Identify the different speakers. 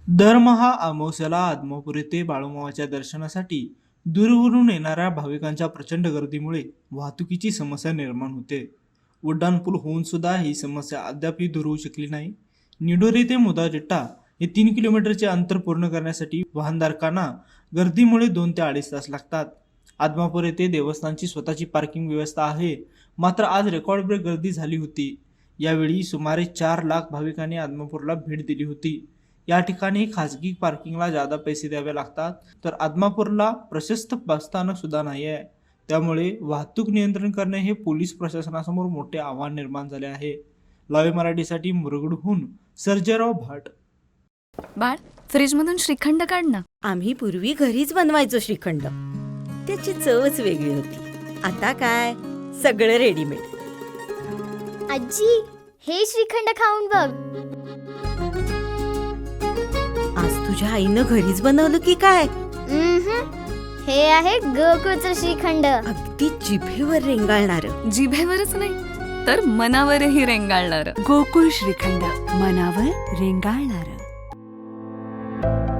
Speaker 1: दरमहा अमावास्येला आदमापूर येथे बाळूमामाच्या दर्शनासाठी दूरवरून येणाऱ्या भाविकांच्या प्रचंड गर्दीमुळे वाहतुकीची समस्या निर्माण होते. उड्डाणपूल होऊन सुद्धा ही समस्या अद्यापही दूर होऊ शकली नाही. निडोरी ते मुदाजिट्टा हे 3 किलोमीटरचे अंतर पूर्ण करण्यासाठी वाहनधारकांना गर्दीमुळे 2 ते 2.5 तास लागतात. आदमापूर येथे देवस्थानची स्वतःची पार्किंग व्यवस्था आहे, मात्र आज रेकॉर्ड ब्रेक गर्दी झाली होती. यावेळी सुमारे 4 लाख भाविकांनी आदमापूरला भेट दिली होती. या ठिकाणी खासगी पार्किंगला जादा पैसे द्यावे लागतात, तर आदमापूरला प्रशस्त बसस्थानक सुद्धा नाही आहे. त्यामुळे वाहतूक नियंत्रण करणे हे पोलीस प्रशासनासमोर मोठे आव्हान निर्माण झाले आहे. लाईव्ह मराठीसाठी मुरगुडहून सर्जेराव भाट.
Speaker 2: बाळ, फ्रीजमधून श्रीखंड काढ ना.
Speaker 3: आम्ही पूर्वी घरीच बनवायचो श्रीखंड. त्याची चवच वेगळी होती. आता काय सगळं रेडीमेड.
Speaker 4: आजी, हे श्रीखंड खाऊन बघ.
Speaker 3: आज तुझ्या आईनं घरीच बनवलं की काय?
Speaker 4: हे आहे गोकुळचं श्रीखंड.
Speaker 3: अगदी जिभेवर रेंगाळणार.
Speaker 2: जिभेवरच नाही तर मनावरही रेंगाळणार.
Speaker 5: गोकुळ श्रीखंड, मनावर रेंगाळणार.